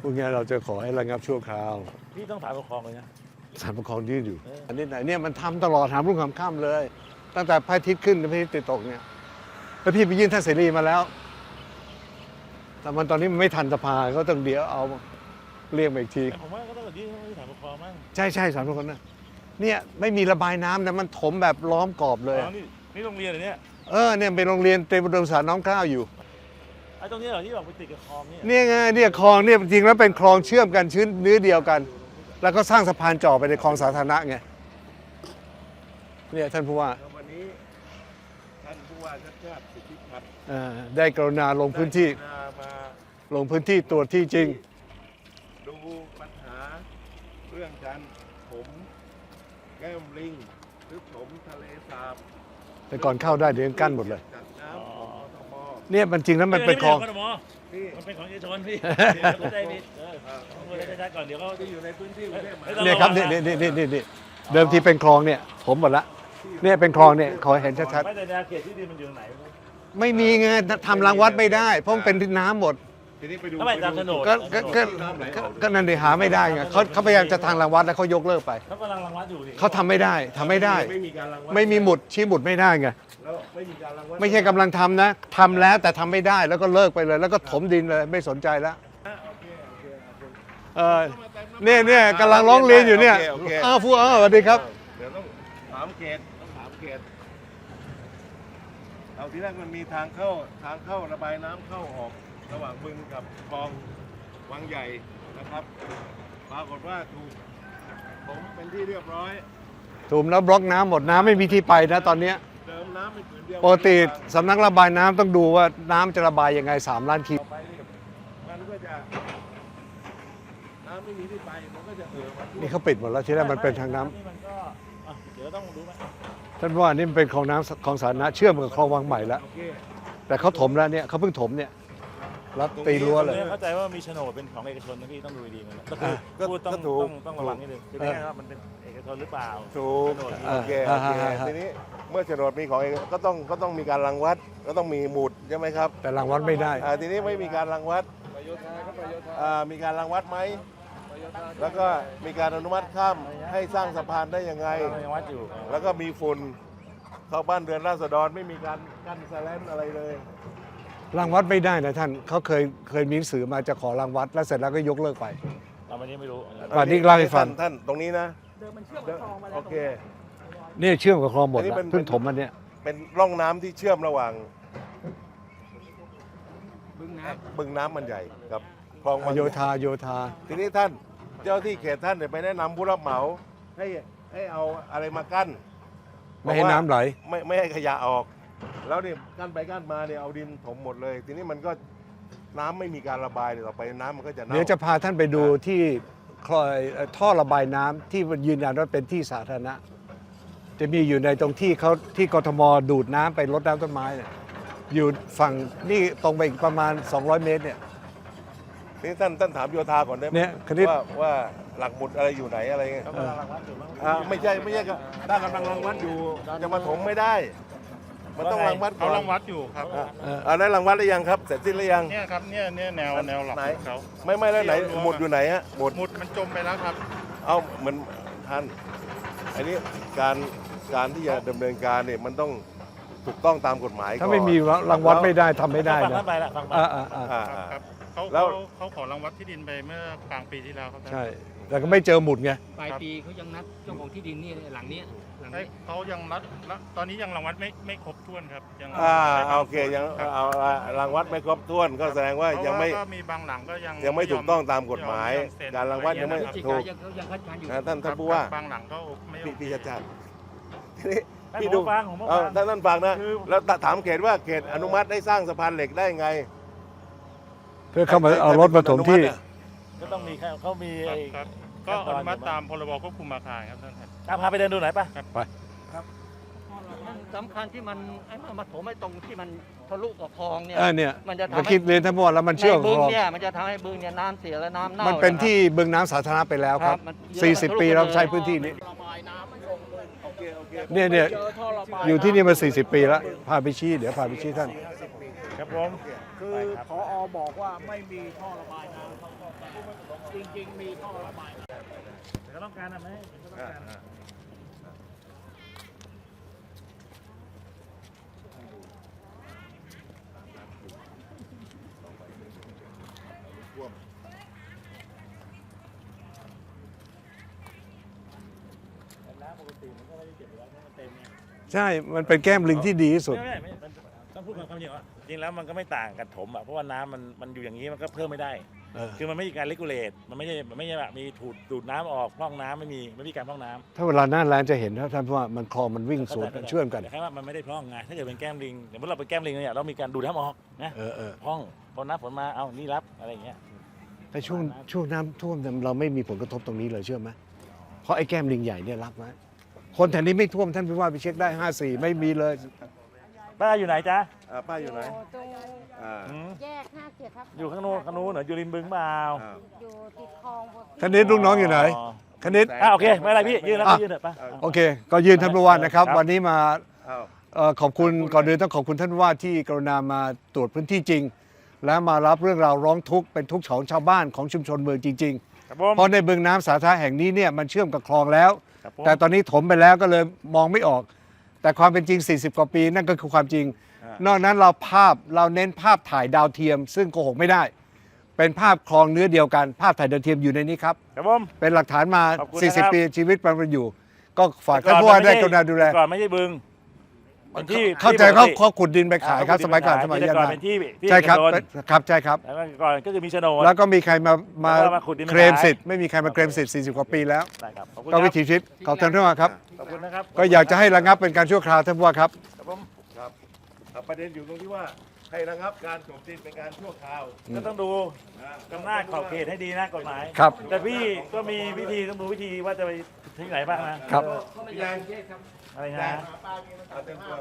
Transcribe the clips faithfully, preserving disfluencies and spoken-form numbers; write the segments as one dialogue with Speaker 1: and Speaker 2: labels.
Speaker 1: พวกนี้เราจะขอให้ระงับชั่วคราว
Speaker 2: พี่ต้องถามปกครองเลยนะ
Speaker 1: ศาลปกครองยื่นอยู่อันนี้ไหนเนี่ยมันทำตลอดหามรุ่งหามค่ำเลย ตั้งแต่พระอาทิตย์ขึ้นพระอาทิตย์ตกเนี่ยแล้วพี่ไปยื่นท่านเสรีมาแล้วแต่มันตอนนี้มันไม่ทันสภาก็ต้องเดี๋ยวเอาเรียกมาอีกที
Speaker 2: ผมว่าก็ต้องยื่นให้ศาลปกครองมั้ง
Speaker 1: ใช่ใช่ศาลปกครองนะเนี่ยไม่มีระบายน้ำนะมันถมแบบล้อมกรอบเลย
Speaker 2: นี่นี่โรงเรียนเหรอเนี่ย
Speaker 1: เออเนี่ยเป็นโรงเรียนเตรียมอุดมศึกษาน้อมเกล้าอยู่
Speaker 2: ไอ้ตรงนี้เหรอที่แบบไปติดกับคลองเนี่ย
Speaker 1: เนี่ยไงเนี่ยคลองเนี่ยจริงแล้วเป็นคลองเชื่อมกันชื้นเนื้อเดียวกัน แล้วก็สร้างสะพานจ่อไปในคลองสาธารณะไงเนี่ยท่านผู้ว่า
Speaker 3: วันนี้ท่านผู้ว่าชัดชาติสิทธิพัฒน์
Speaker 1: ได้กรุณาลงพื้นที่ลงพื้นที่ตรวจที่จริง
Speaker 3: ดูปัญหาเรื่องการถมแก้มลิงหรือถมทะเลสาบ
Speaker 1: แต่ก่อนเข้าได้เดี๋ยวกั้นหมดเลยเนี่ยมันจริงแล้วมันเป็นคลอง
Speaker 2: มันเป็นของเอกชนพี่เข้าใจผิดเออต้องรู้ได้ก่อนเดี๋ยวเขา
Speaker 3: ที่อยู่ในพื้นที่กรุงเทพ
Speaker 1: เนี่ยครับนี่นี่นี่นี่นี่เดิมทีเป็นคลองเนี่ยผมหมดละเนี่ยเป็นคลองเนี่ยขอเห็นชัดๆ
Speaker 2: ไม่แต่แนวเขตที่ดินมันอยู่ไหน
Speaker 1: ไม่มีไงทำรางวัดไม่ได้เพราะมันเป็นน้ำหมด
Speaker 3: ทีนี้ไปดู
Speaker 2: ทำไมตามโฉนด
Speaker 1: ก็ก็ก็นั่นดิหาไม่ได้ไงเขาเขาพยายามจะทางรางวัดแล้วเขายกเลิกไป
Speaker 2: เขากำลังรางวัดอยู่
Speaker 1: เขาทำไม่ได้ทำไม่ได้
Speaker 3: ไม่มีการรางวัด
Speaker 1: ไม่มีหมุดชี้หมุดไม่ได้ไง
Speaker 3: ไม่มีการรางวัด
Speaker 1: ไม่ใช่กำลังทำนะทำแล้วแต่ทำไม่ได้แล้วก็เลิกไปเลย แล้วก็ถมดินเลยไม่สนใจแล้วเออเนี่ยเนี่ยกำลังร้องเรียนอยู่เนี่ยอ้าวฟูอ้าวสวัสดีครับ
Speaker 3: เดี๋ยวต้องถามเขตต้องถามเขตเอาที่แรกมันมีทางเข้าทางเข้าระบายน้ำเข้าออกระหว่างบึงกับคลองวังใหญ่นะครับปรากฏว่าถูกผมเป็นที่เรียบร้อย
Speaker 1: ถูกแล้วบล็อกน้ำหมดน้ำไม่มีที่ไปนะตอนนี้
Speaker 3: เติมน้ำเป็นผืนเดียว
Speaker 1: ปกติสำนักระบายน้ำต้องดูว่าน้ำจะระบายยังไงสามล้านคิว
Speaker 3: มันก็จะน้ำไม่มีที่ไปมันก็จะเอ่อ
Speaker 1: นี่เขาปิดหมดแล้วที่แรกมันเป็นทางน้
Speaker 2: ำมันก็เดี๋ยวต้องดูไหม
Speaker 1: ท่านว่านี่มันเป็นคลองน้ำคลองสาธารณะเชื่อมกับคลองวังใหม่แล้วแต่เขาถมแล้วเนี่ยเขาเพิ่งถมเนี่ยรับตีรั้วเลย
Speaker 2: เข้าใจว่ามีโฉนดเป็นของเอกชนนะพี่ต้องดูดีๆมันก็คือพูดต้องต้องต้องระวังนิดนึงคือไม่ใช่ว่ามันเป็นเอกชนหรือเปล่า
Speaker 3: ถูกโอเคโอเคทีนี้เมื่อโฉนดมีของเอกก็ต้องก็ต้องมีการรังวัดก็ต้องมีหมุดใช่ไหมครับ
Speaker 1: แต่รังวัดไม่ได้
Speaker 3: ทีนี้ไม่มีการรังวัดมีการรังวัดไหมแล้วก็มีการอนุมัติข้ามให้สร้างสะพานได้ยังไงแล้วก็มีฝุ่นเข้าบ้านเรือนราษฎรไม่มีการกั้นแสลนอะไรเลย
Speaker 1: รังวัดไม่ได้นะท่านเขาเคยเคยมีหนังสือมาจะขอรังวัดแล้วเสร็จแล้วก็ยกเลิกไป
Speaker 2: วันนี้ไม่รู้
Speaker 1: วันนี้เล่าให้ฟัง
Speaker 3: ท่านตรงนี้นะ
Speaker 4: เดิมมันเชื่อมกับคลองมาแล้ว
Speaker 3: โอเค
Speaker 1: เนี่ยเชื่อมกับคลองหมดแล้วเพิ่งถมมันเนี่ย
Speaker 3: เป็นร่องน้ำที่เชื่อมระหว่าง
Speaker 4: บึงน้
Speaker 3: ำบึงน้ำมันใหญ่กับคลอง
Speaker 1: โยธาโยธา
Speaker 3: ทีนี้ท่านเจ้าที่เขตท่านเนี่ยไปแนะนำผู้รับเหมาให้ให้เอาอะไรมากั้น
Speaker 1: ไม่ให้น้ำไหล
Speaker 3: ไม่ไม่ให้ขยะออกแล้วเนี่ยกั้นไปกั้นมาเนี่ยเอาดินถมหมดเลยทีนี้มันก็น้ำไม่มีการระบายเดี๋ยวต่อไปน้ำมันก็จะเน่า
Speaker 1: เดี๋ยวจะพาท่านไปดูที่คลอยท่อระบายน้ำที่ยืนยันว่าเป็นที่สาธารณะจะมีอยู่ในตรงที่เขาที่กทมดูดน้ำไปรดน้ำต้นไม้เนี่ยอยู่ฝั่งนี่ตรงไปอีกประมาณสองร้อยเมตรเนี่ย
Speaker 3: นี่ท่านท่านถามโยธาก่อนได้ไหมว่าว่าหลักหมุดอะไรอยู่ไหนอะไรเงี้ยไม่ใช่ไม่ใช่ถ้ากำลังรังวัดอยู่จะมาถมไม่ได้มันต้องรังวัด
Speaker 2: เขารังวัดอยู่ครับ
Speaker 3: อันนั้นรังวัดหรือยังครับเสร็จสิ้นหรือยัง
Speaker 2: เนี่ยครับเนี่ยเนี่ยแนวแนวหลักเขา
Speaker 3: ไม่ไม่แล้วไหนหมุดอยู่ไหนฮะ
Speaker 2: หมุดหมุดมันจมไปแล้วครับ
Speaker 3: เอาเหมือนท่านอันนี้การการที่จะดำเนินการเนี่ยมันต้องถูกต้องตามกฎหมาย
Speaker 1: ถ้าไม่มีรังวัดไม่ได้ทำไม่ได้
Speaker 2: นะฟังไปละฟังไป
Speaker 3: ครับ
Speaker 2: เขาเขาขอรังวัดที่ดินไปเมื่อกลางปีที่แล้วครับ
Speaker 1: ใช่แต่ก็ไม่เจอหมุดไง
Speaker 4: ปลายปีเขายังนัดเจ้าของที่ดินนี่หลังนี้หลังนี้
Speaker 2: เขายังนัดตอนนี้ยังรังวัดไม่ไม่ครบถ้วนครับ
Speaker 3: ยังอ่าโอเคยังเอารังวัดไม่ครบถ้วนก็แสดงว่ายังไม่
Speaker 2: มีบางหลังก็ยัง
Speaker 3: ยังไม่ถูกต้องตามกฎหมายการรังวัดยังไม่ถูกท่านท่านผู้ว่า
Speaker 2: บางหลังก็ไม่
Speaker 3: พี่จัดจัดทีนี้พี่ดูท่านท่านฟังนะแล้วถามเขตว่าเขตอนุมัติได้สร้างสะพานเหล็กได้ไง
Speaker 1: เพื่อเข้ามาเอารถมาถมที่
Speaker 2: ก็ต้องมีเขามีก็อนุมัติตามพรบควบคุมอาคารครับท่านพาไปเดินดูหน่อยป่ะ
Speaker 1: ไป
Speaker 4: ครับมันสำคัญที่มันไอ้มาถมไอ้ตรงที่มันทะลุกับคลองเนี่ย
Speaker 1: เนี่ยมันจะทำให้คิดเรียนทั้งหมดแล้วมันเชื่อม
Speaker 4: บึงเนี่ยมันจะทำให้บึงเนี่ยน้ำเสียและน้ำเน่า
Speaker 1: มันเป็นที่บึงน้ำสาธารณะไปแล้วครับสี่สิบปีเราใช้พื้นที่นี้เนี่ยเนี่ยอยู่ที่นี่มาสี่สิบปีแล้วพาไปชี้เดี๋ยวพาไปชี้ท่าน
Speaker 2: ครับผม
Speaker 5: คือ
Speaker 2: ไปครับ
Speaker 5: พอบอกว่าไม่มีท่อระบายน้ำจริงๆ มีท่อระบายน้ำ
Speaker 2: แต่ก็ต้องการนะไหมก็ต้องการ น้ำปกติมันก็ไม่ได้เก็บไว้ให้มันเต็มไง
Speaker 1: ใช่ มันเป็นแก้มลิงที่ดีที่สุด
Speaker 2: ไม่ไม่ไม่มันต้องพูดความจริงว่าจริงแล้วมันก็ไม่ต่างกับถมอ่ะเพราะว่าน้ำมันมันอยู่อย่างนี้มันก็เพิ่มไม่ได้
Speaker 1: เออ
Speaker 2: คือมันไม่มีการเลกูเลตมันไม่ใช่มันไม่ใช่แบบมีถูดดูดน้ำออกพร่องน้ำไม่มีไม่มีการพร่องน้ำ
Speaker 1: ถ้าเวลาหน้าแล้งจะเห็นนะท่านว่ามันคลองมันวิ่งสวนกันเชื่อมกัน
Speaker 2: แต่แค่ว่ามันไม่ได้พร่องไงถ้าเกิดเป็นแก้มลิงอย่างเมื่อเราเป็นแก้มลิงเนี่ยเรามีการดูดน้ำออกนะ
Speaker 1: เออเออ
Speaker 2: พร่องพอน้ำฝนมาเอานี่รับอะไรอย่างเงี้ย
Speaker 1: แต่ช่วงช่วงน้ำท่วมเนี่ยเราไม่มีผลกระทบตรงนี้เลยเชื่อไหมเพราะไอ้แก้มลิงใหญ่เนี่ยรับไว้คนแถวนี้ไม่ท่วมท่านผู้ว่าไปเช็คได้ห้าสี่ไม่มีเลย
Speaker 2: ป้าอยู่ไหนจ๊ะ
Speaker 3: อ่าป้าอยู่ไหน
Speaker 6: ตรง
Speaker 3: อ่า
Speaker 2: อืม
Speaker 6: แยกห้าเจ็ดทับ
Speaker 2: อยู่ข้างโน้นข้างโน้นเหรออยู่ริมบึงเปล่า
Speaker 3: อ่า
Speaker 6: อยู่ติดคลองบน
Speaker 1: คณิตลูกน้องอยู่ไหนคณิต
Speaker 2: อ่ะโอเคไม่เป็นไรพี่ยืนแล้ว
Speaker 1: อ่ะ
Speaker 2: พี่ยืนเถอะป้า
Speaker 1: โอเค ก็ยืนท่านผู้ว่านะครับ
Speaker 2: ครับ
Speaker 1: วันนี้มา
Speaker 3: อ้าว
Speaker 1: เอ่อขอบคุณก่อนอื่นต้องขอบคุณท่านผู้ว่าที่กรุณามาตรวจพื้นที่จริง และมารับเรื่องราวร้องทุกข์เป็นทุกข์ของชาวบ้านของชุมชนเมืองจริง
Speaker 2: ครับผม
Speaker 1: ๆ เพราะในบึงน้ำสาธารณะแห่งนี้เนี่ยมันเชื่อมกับคลองแล้ว
Speaker 2: ครับผม
Speaker 1: แต่ตอนนี้ถมไปแล้วก็เลยมองไม่ออก แต่ความเป็นจริง สี่สิบ กว่าปีนั่นก็คือความจริง นอกนั้นเราภาพเราเน้นภาพถ่ายดาวเทียม ซึ่งโกหกไม่ได้ เป็นภาพคลองเนื้อเดียวกัน ภาพถ่ายดาวเทียมอยู่ในนี้ครับ
Speaker 2: ครับผม
Speaker 1: เป็นหลักฐานมา
Speaker 2: ขอบคุณ
Speaker 1: สี่สิบ
Speaker 2: นะครับ
Speaker 1: ปีชีวิตมันอยู่ ก็ฝากท่านผู้ว่าได้กรุณาดูแล
Speaker 2: ก่อนไม่ใช่บึงเป็นที่
Speaker 1: เข้าใจ
Speaker 2: ที่ป
Speaker 1: เขา
Speaker 2: กติ
Speaker 1: เขาขุดดินไปขายครับสมัยก่อนสมัย
Speaker 2: แต่
Speaker 1: ยัง
Speaker 2: ก่อน
Speaker 1: ไง
Speaker 2: เป็นที่ที่
Speaker 1: ใช่ครับ
Speaker 2: เอกชน
Speaker 1: ครับใช่ครับ
Speaker 2: แล้วก็ก่อนก็คือมีโฉนด
Speaker 1: แล้วก็มีใครมามา
Speaker 2: แล้วก็มาขุดดินมา
Speaker 1: เคลม
Speaker 2: ขาย
Speaker 1: สิทธิ์ไม่มีใครมาเคลมสิทธิ์สี่สิบ กว่าปีแล้ว
Speaker 2: ได้ครับขอบคุณ
Speaker 1: ก็
Speaker 2: ค
Speaker 1: วิ
Speaker 2: รับ
Speaker 1: ถีชีวิตขอบท่านผู้ว่าครับ
Speaker 2: ขอบคุณนะครับ
Speaker 1: ก็อยากจะให้ระงับเป็นการชั่วคราวท่านผู้ว่าครับ
Speaker 2: ครับผม
Speaker 3: ครับอ่าประเด็นอยู่ตรงที่ว่าให้ระงับการถมดินเป็นการชั่วคราว
Speaker 2: ก็ต้องดู
Speaker 3: นะ
Speaker 2: กำนาจขอบเขตให้ดีนะกฎหมาย
Speaker 1: ครับ
Speaker 2: แต่พี่ก็มีวิธีต้องดูวิธีว่าจะไปที่ไหนบ้างนะครับ
Speaker 3: พี่แดง
Speaker 2: อะไรนะ
Speaker 3: เอาเต็มตัว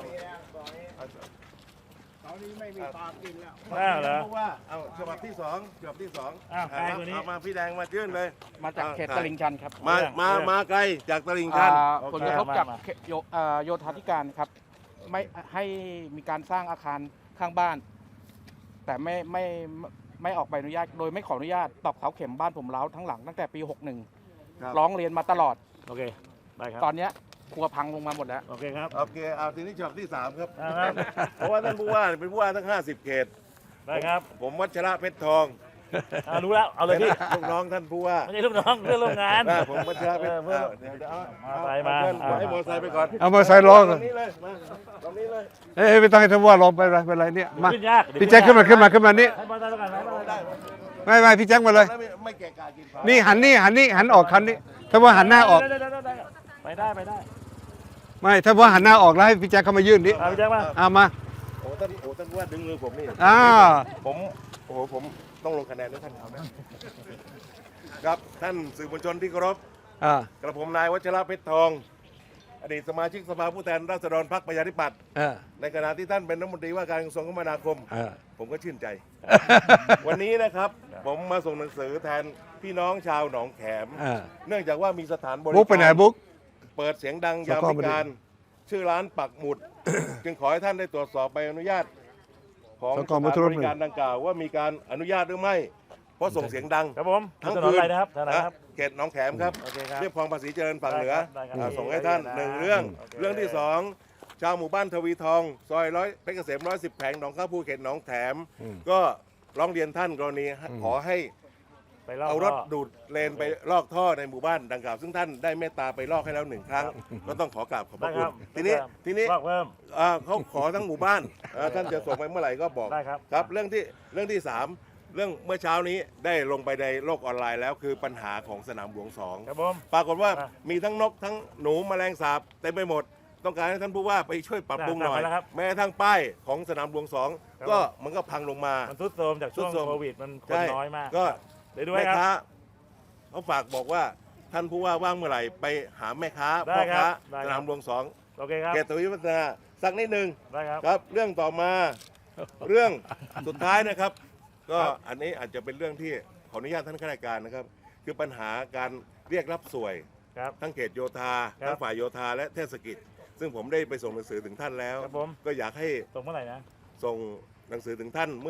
Speaker 5: ตอนนี้ไม่มีปลากินแล้ว
Speaker 2: น่าเหรอ
Speaker 3: เพราะว่าเอาฉบับที่สองฉบับที่สอง
Speaker 2: อ้าว
Speaker 3: อ่า
Speaker 2: ใครคนนี้
Speaker 3: เอามาพี่แดงมายื่นเลย
Speaker 7: มาจากเขตตลิ่งชันครับ
Speaker 3: มามามาไกลจากตลิ่งชัน
Speaker 7: อ่า
Speaker 2: โอเค
Speaker 7: ผลกระทบจาก
Speaker 2: มามา
Speaker 7: เขตโยอ่าโยธาธิการครับไม่ให้มีการสร้างอาคารข้างบ้าน แต่ไม่ไม่ไม่ไม่ออกใบอนุญาต โดยไม่ขออนุญาตตอกเสาเข็มบ้านผมเล้าทั้งหลังตั้งแต่ปี หกสิบเอ็ด
Speaker 3: ครับ
Speaker 7: ร้องเรียนมาตลอด
Speaker 2: โอเคได้ครับ
Speaker 7: ตอนเนี้ยครัวพังลงมาหมดแล้ว
Speaker 2: โอเคครับ
Speaker 3: โอเคเอาทีนี้ฉบับที่สามครับ
Speaker 2: อ่าครับ
Speaker 3: เพราะว่าท่านผู้ว่าเป็นผู้ว่าทั้งห้าสิบเขต
Speaker 2: ได้ครับ
Speaker 3: ผมวัชระเพชรทอง
Speaker 2: อ่ารู้แล้วเอาเลยพี่
Speaker 3: ลูกน้องท่านผู้ว่า
Speaker 2: ไม่ใช่ลูกน้องเพื่อนร่วมงาน
Speaker 3: อ่าผมวัชระเพชร
Speaker 2: เออเพื่อน
Speaker 3: อ้าวเดี๋ยวเดี๋ยวเอา
Speaker 2: มาไปมา
Speaker 3: เพื่อน
Speaker 2: อ่า
Speaker 3: ให้มอเตอร์ไซค์ไปก่อน
Speaker 1: เอามาใส่ล้อ
Speaker 3: ต
Speaker 1: กั
Speaker 3: ร
Speaker 1: น
Speaker 3: งนี้เลยมาตรงนี้เลย
Speaker 1: เอ้ยไม่ต้องให้ท่านผู้ว่าลงไปเลยเป็นไรเนี่ยมา
Speaker 2: ขึ้นยากเดี๋ยว
Speaker 1: พี่แจ็คขึ้นมาขึ้นมาขึ้นมานี่
Speaker 2: ให้บอลได้แล้วกันให้บอลได้
Speaker 1: ไม่ไม่พี่แจ็คมาเลย
Speaker 3: แล้วไม่ไม่แก่กากินเผา
Speaker 1: นี่หันนี่หันนี่หันออกคันนี้ท่านผู้ว่าหันหน้าออก
Speaker 2: ได้ได้ได้ได้ไปได้ไปได้
Speaker 1: ไม่ท่านผู้ว่าหันหน้าออกแล้วให้พี่แจ็คเข้ามายื่นนี่
Speaker 2: เอาพี่แจ็คมา
Speaker 1: เอามา
Speaker 3: โอ้ท่านโอ้ท่านผู้ว่าดึงมือผมนี่
Speaker 1: อ่า
Speaker 3: ผมโอ้โหผมต้องลงคะแนนด้วยท่านเขานะครับท่านสื่อมวลชนที่เคารพ
Speaker 1: อ่าก
Speaker 3: ระผมนายวัชระเพชรทอง อดีตสมาชิกสภาผู้แทนราษฎรพรรคประชาธิปัตย์
Speaker 1: เออ
Speaker 3: ในขณะที่ท่านเป็นรัฐมนตรีว่าการกระทรวงคมนาคม
Speaker 1: เออ
Speaker 3: ผมก็ชื่นใจ วันนี้นะครับ ผมมาส่งหนังสือแทนพี่น้องชาวหนองแขม
Speaker 1: เออ
Speaker 3: เนื่องจากว่ามีสถานบริ
Speaker 1: บุ๊กไปไหน
Speaker 3: การ
Speaker 1: บุ๊ก
Speaker 3: เปิดเสียงดังยาม
Speaker 1: สกอ
Speaker 3: วิ
Speaker 1: บดี
Speaker 3: การ ชื่อร้านปักหมุด จึงขอให้ท่านได้ตรวจสอบใบอนุญาต ของ
Speaker 1: ส
Speaker 3: ส
Speaker 1: กอ
Speaker 3: ถาน
Speaker 1: บัตร
Speaker 3: บริการดังกล่าวว่ามีการอนุญาตหรือไม่ เพราะส่งเสียงดัง
Speaker 2: ครับผม
Speaker 3: ทั้ง
Speaker 2: ถนน
Speaker 3: คืน
Speaker 2: อะไรนะครับถนนอะไรครับ
Speaker 3: เขตหนองแขมครับ
Speaker 2: โอเคครับ
Speaker 3: เรียบคลองภาษีเจริญฝั่งเหนือ
Speaker 2: ได้ครับ
Speaker 3: อ่า
Speaker 2: ได้ครับ
Speaker 3: ส่งให้ท่าน
Speaker 2: ได้ครับ
Speaker 3: หนึ่งเรื่อง
Speaker 2: โอเค
Speaker 3: เรื่องที่สองชาวหมู่บ้านทวีทอง ซอยร้อยเพชรเกษมร้อยสิบแผงหนองข้าวผู้เขตหนองแถม ก็ร้องเรียนท่านกรณีขอให้
Speaker 2: ไปลอก
Speaker 3: เอารถ
Speaker 2: ท่
Speaker 3: ดูดเลนไปลอกท่อในหมู่บ้านดังกล่าว ซึ่งท่านได้เมตตาไปลอกให้แล้วหนึ่งครั้ง ก็ต้องขอกราบขอบพ
Speaker 2: ได้
Speaker 3: ระ
Speaker 2: ค
Speaker 3: คุ
Speaker 2: รั
Speaker 3: ณ
Speaker 2: บ
Speaker 3: ทีนี้ทีนี้
Speaker 2: ลอกเพิ่ม
Speaker 3: อ่าเขาขอทั้งหมู่บ้านอ่าท่านจะส่งไปเมื่อไหร่ก็บอก
Speaker 2: ได้ครับ
Speaker 3: ครับเรื่องที่เรื่องที่สามเรื่องเมื่อเช้านี้ได้ลงไปในโลกออนไลน์แล้วคือปัญหาของสนามหลวงสอง
Speaker 2: ครับผม
Speaker 3: ปรากฏว่า
Speaker 2: อ่ะ
Speaker 3: มีทั้งนกทั้งหนูแมลงสาบเต็มไปหมด ต้องการให้ท่านผู้ว่าไปช่วยปรับปรุงหน่อย
Speaker 2: ได้ได้แล้วครับ
Speaker 3: แม้กระทั่งป้ายของสนามหลวงสอง
Speaker 2: ครับ
Speaker 3: ก็มันก็พังลงมา
Speaker 2: มันทุดโทรมจากช่วง
Speaker 3: ทรุดโทรม
Speaker 2: โควิดมันคน
Speaker 3: ใช่
Speaker 2: น้อยมาก
Speaker 3: ก็
Speaker 2: เดี๋ยวดู
Speaker 3: แม่
Speaker 2: ให้ครับ
Speaker 3: ค้าเขาฝากบอกว่าท่านผู้ว่าว่างเมื่อไหร่ไปหาแม่ค้า
Speaker 2: ได้
Speaker 3: พ่อ
Speaker 2: ครั
Speaker 3: ค้า
Speaker 2: บได้ครับ
Speaker 3: สนามหลวงสอง
Speaker 2: โอเคครับ
Speaker 3: เขตทวีวัฒนาสักนิดหนึ่ง
Speaker 2: ได้ครับ
Speaker 3: ครับ เรื่องต่อมา เรื่องสุดท้ายนะครับ ก็อันนี้อาจจะเป็นเรื่องที่ขออนุญาตท่านข้าราชการนะครับ คือปัญหาการเรียกรับสวย
Speaker 2: ครับ
Speaker 3: ทั้งเขตโยธา
Speaker 2: ครับ
Speaker 3: ทั้งฝ่ายโยธาและเทศกิจ ซึ่งผมได้ไปส่งหนังสือถึงท่านแล้ว
Speaker 2: ครับผม
Speaker 3: ก็อยากให้
Speaker 2: ส่งเมื่อไหร่นะ
Speaker 3: ส่งหนังสือถึงท่านเมื่อ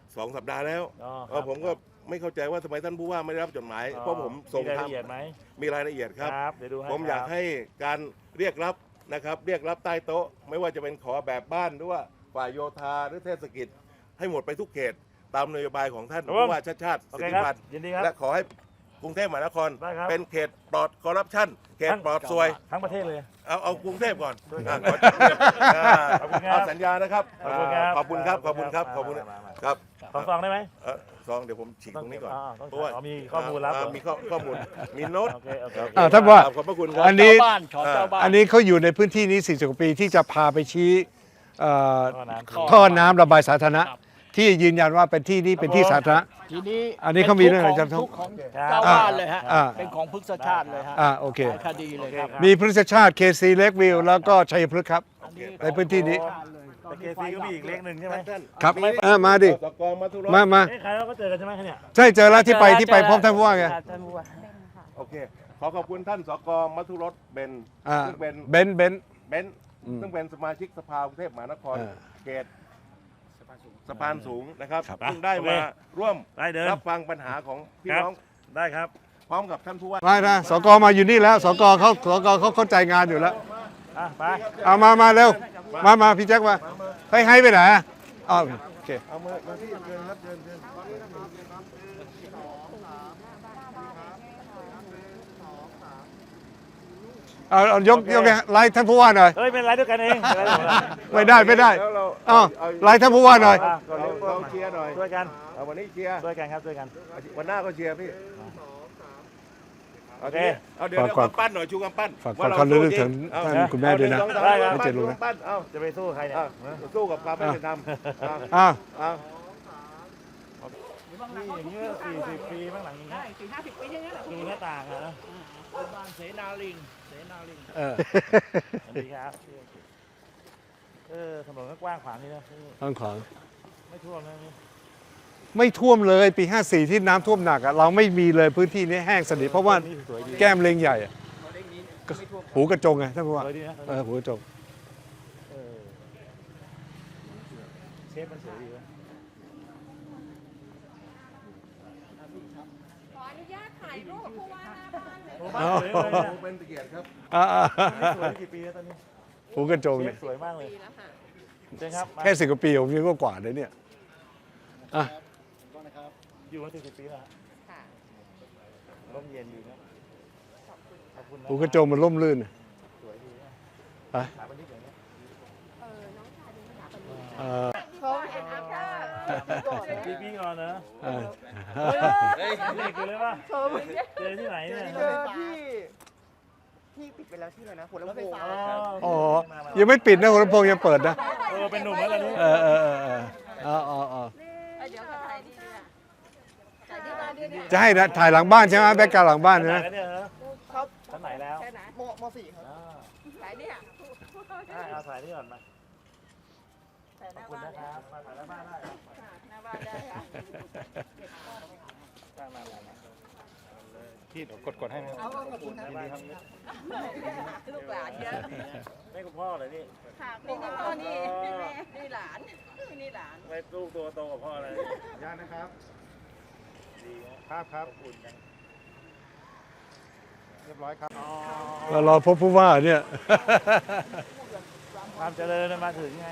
Speaker 3: สองสัปดาห์แล้ว
Speaker 2: อ๋อค
Speaker 3: เอ
Speaker 2: รั
Speaker 3: อบ ผมก็ไม่เข้าใจว่าทำไมท่านผู้ว่าไม่ได้รับจดหมาย
Speaker 2: อ๋อ
Speaker 3: เพราะผมส่ง
Speaker 2: มีราย
Speaker 3: ท
Speaker 2: ละเอียดไหม
Speaker 3: ำมีรายละเอียดครับ
Speaker 2: ครับเดี๋ยวดูให้
Speaker 3: ผมอยาก
Speaker 2: ครับ
Speaker 3: ให้การเรียกรับนะครับ เรียกรับใต้โต๊ะ ไม่ว่าจะเป็นขอแบบบ้านหรือว่าฝ่ายโยธาหรือเทศกิจ ให้หมดไปทุกเขต ตามนโยบายของท่านผู้ว่าชาติชาติ
Speaker 2: โอ
Speaker 3: สิท
Speaker 2: เค
Speaker 3: ธิ
Speaker 2: ครับ
Speaker 3: พันธ์
Speaker 2: ยินดีครับ
Speaker 3: และขอให้กรุงเทพมหานคร
Speaker 2: ได้ครับ
Speaker 3: เป็นเขตปลอดคอร์รัปชันเขต
Speaker 2: ทั้ง
Speaker 3: ปลอดซวย
Speaker 2: ทั้งประเทศเลย
Speaker 3: เอาเอากรุงเทพก่อน
Speaker 2: ด้วย
Speaker 3: อ่ะ
Speaker 2: กัน
Speaker 3: ขออ่า
Speaker 2: ขอบคุณครับ
Speaker 3: เอาสัญญานะครับ
Speaker 2: ขอบคุณครับ
Speaker 3: ขอบคุณครับขอบคุณครับขอบคุณ
Speaker 2: มามามา
Speaker 3: ครับ
Speaker 2: สองซองได้ไหม
Speaker 3: เอ่อซองเดี๋ยวผมฉีกตรงนี้ก่อน
Speaker 2: อ่าต้อง
Speaker 3: เพราะว่า
Speaker 2: อ๋อมีข้อมูลลับ
Speaker 3: า
Speaker 2: เหรอ
Speaker 3: มีข้อข้อมูลมีโน้ต
Speaker 2: โอเคโอเคโอเค
Speaker 1: อ่าท่านว่า
Speaker 3: ขอบพระคุณครับ
Speaker 1: อันนี้
Speaker 5: เจ้าบ้านขอเจ้าบ้าน
Speaker 1: อันนี้เขาอยู่ในพื้นที่นี้สี่สิบกว่าปีที่จะพาไปชี้เอ่อ
Speaker 2: ท่อน้ำ
Speaker 5: ท่
Speaker 1: ท่อน้ำระบายสาธารณะ
Speaker 5: ครับ
Speaker 1: ที่ยืนยันว่าเป็นที่นี้เป็นที่สาธารณะ
Speaker 5: ทีนี้
Speaker 1: อันนี้เขามีเรื่องอะไร
Speaker 5: เป็น
Speaker 1: จำ
Speaker 5: ทุกข์ของ
Speaker 2: ครับ
Speaker 5: เจ้าบ้านเลยฮะ
Speaker 1: อ่า
Speaker 5: เป็นของพฤกษชาติเลยฮะ
Speaker 1: อ่าโอเค
Speaker 5: หลายคดีเลยครับ
Speaker 1: มีพฤกษชาติเคซีเล็กวิวแล้วก็ชัยพฤกษ์ครับ ในพื้นที่นี้
Speaker 2: แต่เคซีก็มีอีกเลขหนึ่งใช่ไหม
Speaker 1: ครับเออมาดิ
Speaker 3: สกอมาทุรส
Speaker 1: มามา
Speaker 2: เอ้ยใครเราก็เจอกันใช่ไหมคะเนี่ย
Speaker 1: ใช่เจอแล้วที่ไปที่ไปพบท่านผู้ว่าไง
Speaker 7: ท่านผู้ว่า
Speaker 3: โอเค ขอขอบคุณท่านสกมัทุรสเบน
Speaker 1: อ่า
Speaker 3: ซึ่งเป็น
Speaker 1: เบนซ์เบนซ์
Speaker 3: เบนซ์
Speaker 1: อืม
Speaker 3: ซึ่งเป็นสมาชิกสภากรุงเทพมหานคร
Speaker 1: อ่า
Speaker 3: เขตสะพานสูงนะครับ
Speaker 1: ครับ
Speaker 3: ซึ่งได้
Speaker 2: โอเค
Speaker 3: มาร่วม
Speaker 2: ได้เดิน
Speaker 3: รับฟังปัญหาของพี่
Speaker 2: ครับ
Speaker 3: น้อง
Speaker 2: ได้ครับ
Speaker 3: พร้อมกับท่านผู้ว่า
Speaker 1: ไม่นะสกมาอยู่นี่แล้วสกเขาสกเขาเข้าใจงานอยู่แล้ว
Speaker 2: อ่ะไป
Speaker 1: เอามามาเร็วมามาพี่แจ็คมาให้ให้ไปไหนอ่ะอ๋อโอเค
Speaker 3: เอามามาที่เชิญครับเชิญเชิญ
Speaker 1: เอาเอายกยกไลน์ท่านผู้ว่าหน่อย
Speaker 2: เฮ้ยเป็นไรด้วยกันเองเป็นไรด้วยกัน
Speaker 1: ไม่ได้ไม่ได้
Speaker 3: แล้วเรา
Speaker 1: อ้าวไลน์ท่านผู้ว่าหน่อย
Speaker 2: อ่ะ
Speaker 3: เราเราเชียร์หน่อย
Speaker 2: ช่วยกัน
Speaker 3: เอาวันนี้เชียร์
Speaker 2: ช่วยกันครับช่วยกัน
Speaker 3: วันหน้าก็เชียร์พี่
Speaker 2: โอเค
Speaker 3: เอาเดี๋ยวเดี๋ยว
Speaker 1: ฝาก
Speaker 3: กำปั้นหน่อยชูกำปั้น
Speaker 1: ฝาก
Speaker 3: ว่า
Speaker 1: ฝากความรู้สึกถึง
Speaker 3: เอา
Speaker 1: ท่านคุณแม่ด้วยนะ
Speaker 3: เอาหงสองสาม
Speaker 2: ได้ครับ
Speaker 3: กำปั้น
Speaker 1: ไม่เจ็บรู้นะ
Speaker 3: กำปั้นเอา
Speaker 2: จะไปสู้ใครเนี่ย
Speaker 3: เอาสู้กับความไม่เป็นธรรมเอา
Speaker 1: อ้าว
Speaker 3: เอา
Speaker 2: นี่อย่างนี้ก็สี่สิบปีบ้างหลังอย่างนี้
Speaker 5: สี่ห้าสิบปีอย่างเงี้ย
Speaker 2: ดูหน้าต่างอะนะ
Speaker 5: บ้านเสนาลิง เสนาลิง
Speaker 1: เออ
Speaker 2: สวัสดีครับเออถนนก็กว้างขวางนี่นะ
Speaker 1: ต้องขอ
Speaker 2: ไม่ท่วมนะนี่
Speaker 1: ไม่ท่วมเลยปีห้าสี่ที่น้ำท่วมหนักอะเราไม่มีเลยพื้นที่นี้แห้งสนิทเพราะว่า
Speaker 2: นี่สวยดี
Speaker 1: แก้มเลงใหญ่อะหูกระจงไงท่านผู้ว่า
Speaker 2: สวยดีนะ
Speaker 1: เออหูกระจง
Speaker 2: เออเชฟมันสวยดีวะ
Speaker 6: ขออนุญาตถ่ายรูปผู้ว่าหน้าบ้านเลย
Speaker 2: โอ้บ้านสวยเลยนะ
Speaker 3: เป็นเกียรติครับ
Speaker 1: อ่า
Speaker 2: นี่สวยกี่ปีแล้วตอนนี้
Speaker 1: ๆหูกระจง
Speaker 2: เช
Speaker 1: เนี่ย
Speaker 2: ฟสวยมากเลย
Speaker 6: ดีแล้วค่ะ
Speaker 2: เชิญครับมา
Speaker 1: แค่สิบกว่าปีผมยังก็กว่าเลยเนี่ยอ่ะ
Speaker 2: อยู่มาสี่สิบปีแล้วฮะ
Speaker 6: ค่ะ
Speaker 2: ร่มเย็นดีนะขอบคุณนะ
Speaker 1: หูกระจงมันร่มรื่นอะ
Speaker 2: สวยดีนะ
Speaker 1: อ่ะ
Speaker 2: ถามวันนี้อย่างนี้
Speaker 6: เออ น้องชายดูหนาปนี
Speaker 1: เออ
Speaker 6: เขาเอ็นอัพเตอร์
Speaker 2: ปีปีก่อนนะ
Speaker 1: เออ
Speaker 2: เด็กอยู่เลยป่ะเจอที่ไหนเนี่ย
Speaker 7: ที่ที่ปิดไปแล้วที่ไหนนะหัวลำโพง
Speaker 1: อ๋อยังไม่ปิดนะหัวลำโพงยังเปิดนะ
Speaker 2: เออเป็นหนุ่มแล้วตอนนี้
Speaker 1: เออเออเออเอออ๋ออ๋ออ๋อ
Speaker 6: เดี๋ยวก็ถ่ายดีดีอ่ะถ่ายที่บ้านด้วยเนี่ย
Speaker 1: จะให้นะถ่ายหลังบ้านใช่ไหมแบ็กกราวด์หลังบ้าน
Speaker 2: ชั้นไหน
Speaker 1: นะ
Speaker 2: แล้วเนี่ยเหรอ
Speaker 7: ครับ
Speaker 2: ชั้นไหนแล้ว
Speaker 6: แค่ไหน
Speaker 7: มมสี่ครับ
Speaker 2: อ่า
Speaker 6: ถ่ายเนี่ย
Speaker 2: ได้เอาถ่ายนี่ก่อนมา
Speaker 6: ถ่ายห
Speaker 2: ขอ
Speaker 6: น้า
Speaker 2: บคุณ
Speaker 6: บ้าน
Speaker 2: นะครับมาถ่ายแล้วบ้านได้ครับ
Speaker 6: หน้าบ้านได้ค่ะ
Speaker 2: มามามามา
Speaker 1: ที่กดกดให้ไหม
Speaker 6: เอาขอบคุณนะ
Speaker 2: ยินดีครับ
Speaker 6: ลูกหลานเยอะ
Speaker 2: ไม่คุณพ่อเลยนี่
Speaker 6: ค่ะนี่นี่พ่อนี่นี่แม่นี่หลานนี่หลาน
Speaker 2: ไม่ลูกตัวโตกว่าพ่อเลย
Speaker 3: ญาตินะครับ
Speaker 2: ดีนะครับครับขอบคุณกัน
Speaker 3: เรียบร้อยครับ
Speaker 1: เรารอพบผู้ว่าเนี่ย
Speaker 2: ความเจริญมันมาถึงไง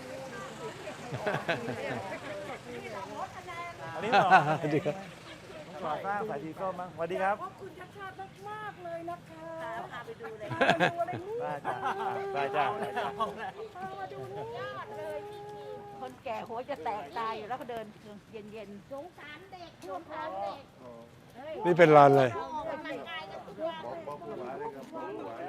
Speaker 2: อันนี้ต่อ
Speaker 1: สวัสดีครับ
Speaker 2: ก่อสร้างสายสีส้มมั้งสวัสดีครับ
Speaker 6: ขอบคุณชัดชาติมากๆเลยนะคะพาไปดูเลย
Speaker 2: ได้จ้ะได้จ้ะได้จ้ะ
Speaker 6: มาดูนี่ยอดเลย คนแก่หัวจะแตกตายอยู่แล้วก็เดินเย็นๆสงสารเด็กสงสารเด็ก
Speaker 1: นี่เป็นลานอะไร
Speaker 6: ออกกำลังกายกันทุกวัน
Speaker 3: บอกบอกผู้ว่าเลยครับบอกผู้ว่า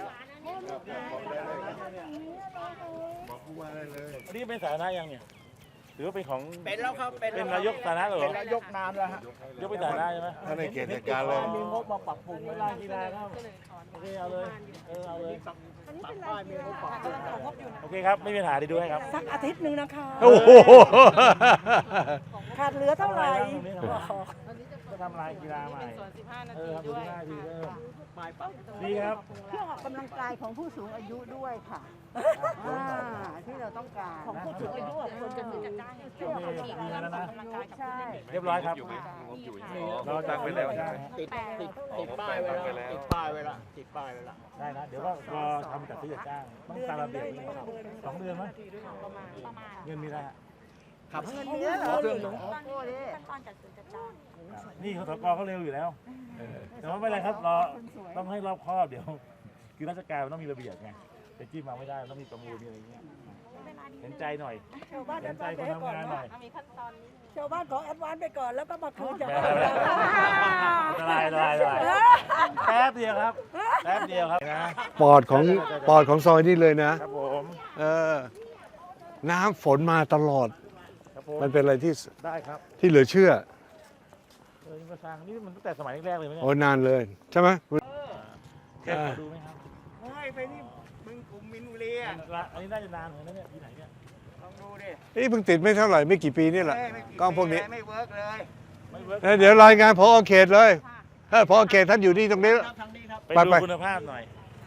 Speaker 3: บอกผู้ว่าได้เลย
Speaker 2: อันนี้เป็นสาธารณะยังเนี่ยหรือว่าเป็นของ
Speaker 5: เป็นแล้วครับ เป็น
Speaker 2: เป็นนายกสาธารณะเหรอ
Speaker 5: เป็นนายกนานแล้วฮะ
Speaker 2: ยกเป็นสาธารณะใช่ไหม
Speaker 3: ท่านในเขตจัดการเลย
Speaker 5: มีงบมาปรับปรุง
Speaker 2: เว
Speaker 5: ไว้
Speaker 2: ลากีฬาครับโอเคเอาเลยเออเอาเลย
Speaker 5: ปรับป้ายมีงบปรับปรุง
Speaker 2: โอเคครับไม่มีปัญหาดีดูให้ครับ
Speaker 8: สักอาทิตย์หนึ่งนะคะ
Speaker 1: โอ้โห
Speaker 8: ขาดเหลือเท่าไหร่
Speaker 2: ตรงนี้ทำไมก็ทำลายกีฬาใหม่
Speaker 8: เป็นสวนสิบห้านา
Speaker 2: เอ
Speaker 8: ที
Speaker 2: อทำ
Speaker 8: ด้วย
Speaker 2: สิบห้านาทีเออ
Speaker 5: หมายปั๊บ
Speaker 2: ดีครับ
Speaker 6: เครื่องออกกำลังกายของผู้สูงอายุด้วยค่ะอ่าที่เราต้องการของผู้สูงอายุอะคนจะซื้อจะได้เครื่องออกกำลังกายใช่
Speaker 2: เรียบร้อยครับ
Speaker 3: เราตักไปแล้ว
Speaker 2: ได้
Speaker 5: ติดติดติดป้ายไว้แล้วติดป้ายไว้ละติดป้ายไว้ละ
Speaker 2: ได้นะเดี๋ยวก็รอทำจัดซื้อจัดจ้างต้องตามระเบียบนี่สองเดือนมั้ย
Speaker 8: ประมาณประมาณ
Speaker 2: เงินมีแล้ว
Speaker 5: ครับ
Speaker 6: เงินเดือนเหรอ
Speaker 5: เครื่องนึง
Speaker 8: ขั้นตอนขั้นตอนจัดซื้อจัดจ้าง
Speaker 2: นี่เขาสกเขาเร็วอยู่แล้วแต่ว่าไม่เป็นไรครับรอต้องให้รอบคอบเดี๋ยว คือราชการมันต้องมีระเบียบไงไปจิ้มมาไม่ได้มันต้องมีประมูลมีอะไรอย่างเงี้ยเห็นใจหน่อย
Speaker 6: ชาวบ้าน
Speaker 2: เห็นใจคนทำงานหน่อย
Speaker 8: มีขั้นตอนนี้
Speaker 6: ชาวบ้านขอแอดวานซ์ไปก่อนแล้วก็มาคืนจาก
Speaker 2: ไม่เป็นไรละลายละลายละลายแป๊บเดียวครับแป๊บเดียวครับนะ
Speaker 1: ปอดของปอดของซอยนี่เลยนะ
Speaker 2: ครับผม
Speaker 1: เออ น้ำฝนมาตลอด
Speaker 2: ครับผม
Speaker 1: มันเป็นอะไรที่
Speaker 2: ได้ครับ
Speaker 1: ที่เหลือเชื่อ
Speaker 2: เออนี่มาสร้างนี่มันตั้งแต่สมัยแรกๆเลยไหมเนี่ย
Speaker 1: โอ้นานเลย ใช่ไหม
Speaker 2: แค่ขอดูไหมครับ
Speaker 5: เฮ้ยไปนี่มึงกลุ่มมินบุรีอ่ะ
Speaker 2: อันนี้น่าจะนานเหมือนกันนะเนี่ยที่ไหนเนี่ย
Speaker 5: ลองดูดิ
Speaker 1: นี่เพิ่งติดไม่เท่าไหร่ไม่กี่ปีนี่แหละ
Speaker 5: เฮ้ยไม่
Speaker 1: กล้องพวกนี้
Speaker 5: ไม่เวิร์กเลย
Speaker 2: ไม่เวิร์ก
Speaker 1: เอ้ยเดี๋ยวรายงานพอเขตเลยเฮ้ยพอเขตท่านอยู่นี่ตรงนี้
Speaker 5: ครับทางนี้ครับ
Speaker 2: ไป
Speaker 1: ไป
Speaker 2: ดู
Speaker 1: ไป
Speaker 2: คุณภาพหน่อย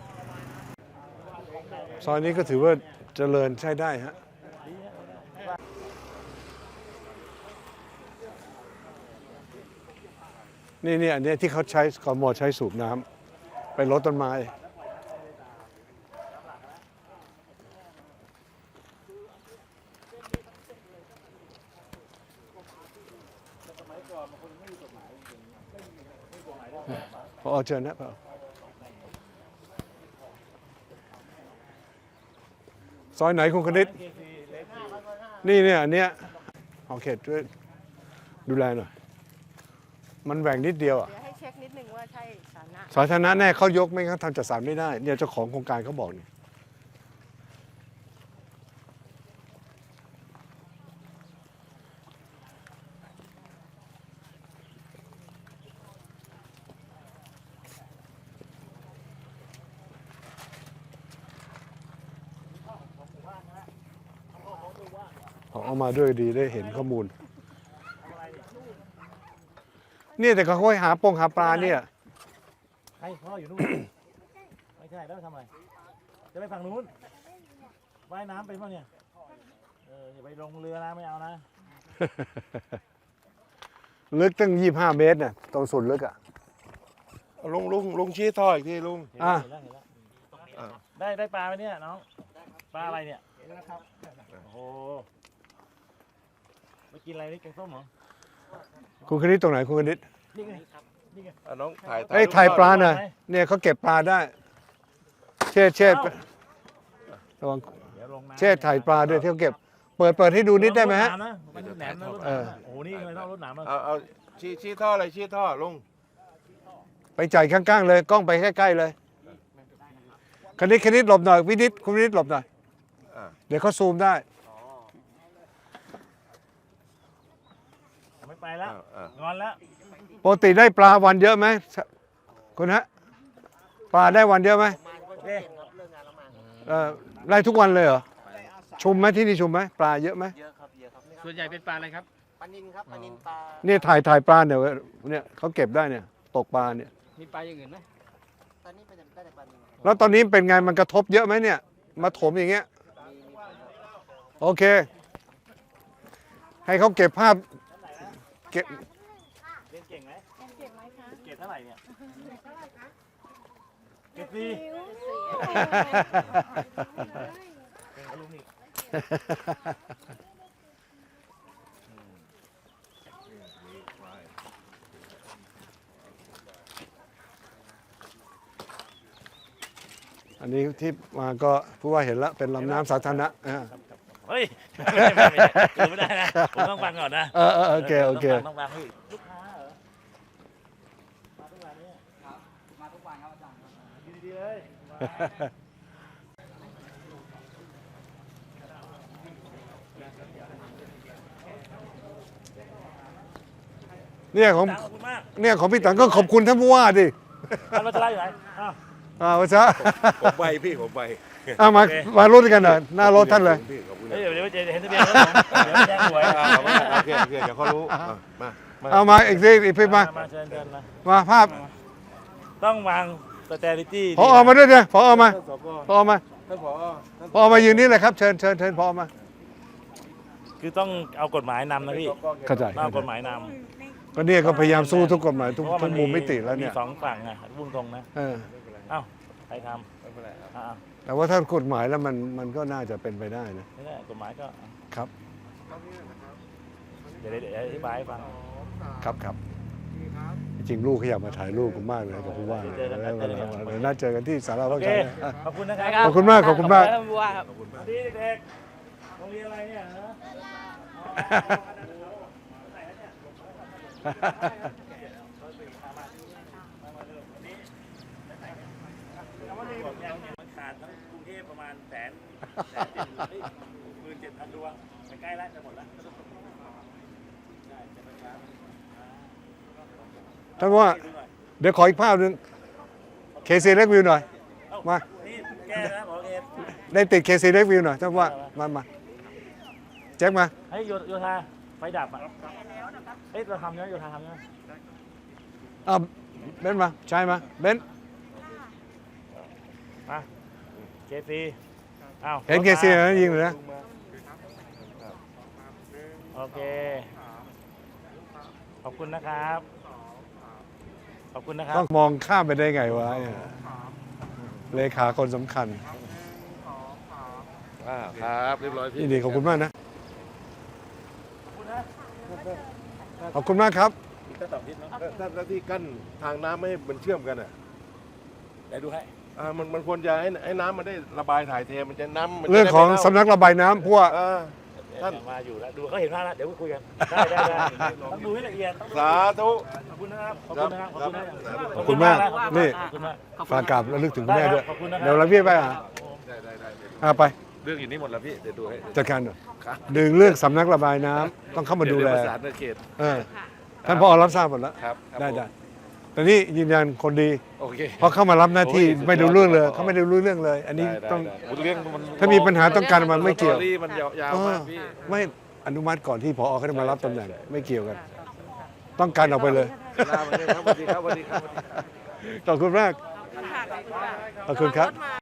Speaker 1: ซอยนี้ก็ถือว่าเจริญใช้ได้ฮะนี่นี่อันเนี้ยที่เขาใช้กมใช้สูบน้ำไปรดต้นไม้พอเชิญนะพอซอยไหนคุณคณิตนี่เนี่ยอันเนี้ยเอาเขตช่วยดูแลหน่อย มันแหว่งนิดเดียวอ่ะ
Speaker 8: เดี๋ยวให้เช็คนิดนึงว่าใช่สาธารณะ
Speaker 1: สาธารณะแน่เขายกไม่งั้นทำจัดสรรไม่ได้ เนี่ยเจ้าของโครงการเขาบอกนี่เขาเอามาด้วยดีได้เห็นข้อมูล เนี่ยแต่เขาค่อยหาปงหาปลาเนี่ย
Speaker 2: ให้พ่ออยู่นู่น ไม่ใช่แล้วไปทำอะไร จะไปฝั่งนู้นว่ายน้ำไปป่ะเนี่ย เอออย่าไปลงเรือนะไม่เอานะ
Speaker 1: ลึกตั้งยี่สิบห้าเมตรเนี่ยตรงสุดลึกอ่ะ
Speaker 3: ลุงลุงลุงชี้ท่ออีกทีลุง
Speaker 2: เห็น
Speaker 1: อ่ะ
Speaker 2: แล้วเห็นแล้ว
Speaker 3: อ่ะ
Speaker 2: ได้ได้ปลาไหมเนี่ยน้อง ปลาอะไรเนี่ย
Speaker 5: เห็นแล้วครับ
Speaker 2: โอ้โหไปกินอะไรนี่แกงส้มเหรอ
Speaker 1: คุณคณิตตรงไหนคุณคณิต
Speaker 2: นี่ไงนี่ไง
Speaker 3: อ่ะน้องถ่าย
Speaker 1: เอ้ย
Speaker 3: รูป
Speaker 1: ถ่ายปลา
Speaker 3: ก่อน
Speaker 1: หน่อยเนี่ยเขาเก็บปลาได้ เช่เช่ระวัง
Speaker 2: เดี๋ยวลงน้ำ
Speaker 1: เช่ถ่ายปลาด้วยที่เขาเก็บ เปิดเปิดให้ดูนิดได้ไหมฮะ
Speaker 2: รถน้ำนะมันแหนมนะรถ
Speaker 1: เออ
Speaker 2: น้ำนะโอ้โหนี่เลยต้องรถน้ำนะ
Speaker 3: เอาเอาชี้ชี้ท่ออะไรชี้ท่อลุง
Speaker 1: ไปจ่ายข้างๆเลยกล้องไปใกล้ๆเลยคณิตคณิตหลบหน่อยวินิตคุณวินิตหลบหน่อย
Speaker 3: อ่ะ
Speaker 1: เดี๋ยวเขาซูมได้
Speaker 2: ไม่ไปแล้ว
Speaker 3: อ่ะอ่ะ
Speaker 2: งอนแล้ว
Speaker 1: ปกติได้ปลาวันเยอะไหมคุณฮะปลาได้วันเยอะไหม
Speaker 2: โอเค
Speaker 1: เออได้ทุกวันเลยเหรอชุมไหมที่นี่ชุมไหมปลาเยอะไหม
Speaker 5: เยอะครับเยอะครับ
Speaker 7: ส่วนใหญ่เป็นปลาอะไรครับ
Speaker 5: ปลานินครับปลานินปลา
Speaker 1: เนี่ยถ่ายถ่ายปลาเนี่ยเนี่ยเขาเก็บได้เนี่ยตกปลาเนี่ย
Speaker 7: มีปลาอย่างอื่นไหม
Speaker 5: ตอนนี้เป็นได้แต่ปลานินครับ
Speaker 1: แล้วตอนนี้เป็นไงมันกระทบเยอะไหมเนี่ย มาถมอย่างเงี้ย
Speaker 5: มีมีผลครับ
Speaker 1: โอเค ให้เขาเก็บภาพเก็บ
Speaker 2: เรียนเก่งไหม
Speaker 8: เก็บไหมคะ
Speaker 2: เกรดเท่าไหร่เนี่ยเกรดสี่เก่งกว่าลุงอีก
Speaker 1: อันนี้ที่มาก็ผู้ว่าเห็นแล้วเป็นลำน้ำสาธารณะอ่า
Speaker 2: เฮ้ยไม่ไม่ไม่ไม่ไม่ได้นะผมต้องฟังก่อนนะ
Speaker 1: เออเออโอเคโอเค
Speaker 2: ต้องฟังต้องฟังพี่ลูกค้าเหรอมาทุกวันเนี่ย
Speaker 5: มาทุกวันครับอาจารย์
Speaker 2: อยู่ดีๆเลย
Speaker 1: เนี่ยของ
Speaker 2: ขอบคุณมาก
Speaker 1: เนี่ยของพี่ตังก็ขอบคุณท่านผู้ว่าดิ
Speaker 2: ท่านรัชราอยู่ไหนอ้าว
Speaker 1: อ่าวัชระ
Speaker 3: ผมไปพี่ผมไป
Speaker 1: อ่ามามารถด้วยกันหน่อยหน้ารถท่านเลย
Speaker 3: พี่ขอบคุณ
Speaker 2: เฮ้
Speaker 3: นะ
Speaker 2: ยเดี๋ยวเดี๋ยวเดี๋ยวเห็นทะเบียนรถผมเดี๋ยวแจ้งหวย
Speaker 3: อ่าโอเคโอเคเดี๋ยวเขารู้อ่ะมา
Speaker 1: เอามาอีกทีอีกทีมา
Speaker 2: มาเชิญเชิญนะ
Speaker 1: มาภาพ
Speaker 2: ต้องวางสเตอริตี้
Speaker 1: พอมาด้วยเนี่ยพอมา
Speaker 3: ท่านสก
Speaker 1: พอมา
Speaker 3: ท่านผอท่าน
Speaker 1: พอมายืนนี่เลยครับเชิญเชิญเชิญพอมา
Speaker 2: คือต้องเอากฎหมายนำนะพี่
Speaker 1: เข้าใจ
Speaker 2: ต้องเอากฎหมายน
Speaker 1: ก็เนี่ยก็พยายามสู้ทุกกฎหมาย
Speaker 2: ำ
Speaker 1: ทุก
Speaker 2: เพราะว่า
Speaker 1: ทุ
Speaker 2: มั
Speaker 1: ก
Speaker 2: น
Speaker 1: มุมมิติแล้วเนี่ย
Speaker 2: มีสองฝั่งไงพูดตรงนะ
Speaker 1: เออ
Speaker 2: เอ้าใครทำอ่า
Speaker 1: แต่ว่าถ้ากฎหมายแล้วมันมันก็น่าจะเป็นไปได้นะ
Speaker 2: ไม่ได้กฎหมายก็
Speaker 1: ครับ
Speaker 2: เดี๋ยวเดี๋ยวอธิบายให้ฟัง
Speaker 1: ครับครับจริงๆลูกเขาอยากมาถ่ายรูปผมมากเลยกับผู้ว่าเดี๋ยวน่าเจอกันที่สารา
Speaker 2: โอ
Speaker 1: ว่า
Speaker 2: เค
Speaker 1: การอ่ะ
Speaker 2: ขอบคุณนะครับ
Speaker 1: ขอบคุณมากขอบคุณมาก
Speaker 2: สวัสดีเด็กๆโรงเรียนอะไรเนี่ยฮะมันขาดทั้งกรุงเทพประมาณแสนแสนเจ็ดหมื่นเจ็ดพันดวงไปใกล้แล้วจะหมดแล้ว
Speaker 1: ท่านว่าเดี๋ยวขออีกภาพหนึ่งเคซีเล็กวิวหน่อยมา
Speaker 2: นี่แก้แล้วหมอเอ
Speaker 1: ได้ติดเคซีเล็กวิวหน่อยท่านว่ามามาแจ็คมา
Speaker 2: ให้โยโยธาไฟดับอ่ะเฮ้ยเราทำยังไงโยธาทำยังไง
Speaker 1: อ่ะเบนซ์มาใช่มาเบนซ์
Speaker 2: มาเคซีอ้าว
Speaker 1: เห็นเคซีนะยิงเลยนะ
Speaker 2: โอเคขอบคุณนะครับขอบคุณนะครับ
Speaker 1: ต้องมองข้ามไปได้ไงวะเนี่ยเลขาคนสำคัญ
Speaker 3: อ่าครับเรียบร้อยพี่
Speaker 1: ยินดีขอบคุณมากนะขอบคุณมากครับ
Speaker 2: ก็ตอบทิศเนาะ
Speaker 3: ถ้าถ้าที่กั้นทางน้ำไม่ให้มันเชื่อมกันอ่ะ
Speaker 2: เดี๋ยวดูให้
Speaker 3: อ่ามันมันควรจะให้ให้น้ำมันได้ระบายถ่ายเทมันจะน้ำมันจะ
Speaker 1: เรื่องของ
Speaker 3: ได้ไม่
Speaker 1: สำนักระบายน้ำเพราะว่า
Speaker 3: เน่าอ่า
Speaker 2: ท่านมาอยู่แล้วดูเขาเห็นภาพแล้วเดี๋ยวคุยกันได้ได้ได้ต้องดูให้ละเอียด
Speaker 3: สาธุ
Speaker 2: ขอบคุณนะครับขอบคุณนะครับขอบคุณนะครับ
Speaker 1: ขอบคุณมากนี่
Speaker 2: ขอบคุณมาก
Speaker 1: ฝากกราบระลึกถึงคุณแม่ด้วย
Speaker 2: ขอบคุณนะครับ
Speaker 1: เดี๋ยวเราเบี้ยไปอ่ะ
Speaker 3: ได้ได้ได้
Speaker 1: อ่ะไป
Speaker 3: เรื่องอยู่นี่หมดแล้วพี่เดี๋ยวดูให้
Speaker 1: จัดการหน่อยดึงเรื่องสำนักระบายน้ำต้องเข้ามาดูแล
Speaker 3: เยวประสานในเขต
Speaker 1: เออท่านพอรับทราบหมดแล้ว
Speaker 3: ครับครับ
Speaker 1: ได้
Speaker 3: ผม
Speaker 1: ได้แต่นี่ยืนยันคนดี
Speaker 3: โอเค
Speaker 1: เพราะเข้ามารับหน้าที่
Speaker 3: โอ้ย
Speaker 1: ไม่รู้เรื่องเลย
Speaker 3: สุดยอด
Speaker 1: เขาไม่ได้รู้เรื่องเลย อันนี้
Speaker 3: ได้ได้
Speaker 1: ต้อง
Speaker 3: ได้เรื่องมัน
Speaker 1: ถ้ามีปัญหาต้องการมันไม่เกี่ยว
Speaker 3: สตอรี่มันยาวๆมากพี่
Speaker 1: ไม่อนุมัติก่อนที่พอเขาจะมารับตำแหน่งไม่เกี่ยวกัน ต้องการออกไปเลย
Speaker 3: ลาไปเลยครับสวัสดีครับสวัสดีครับ
Speaker 1: ขอบคุณมากขอบคุณครับ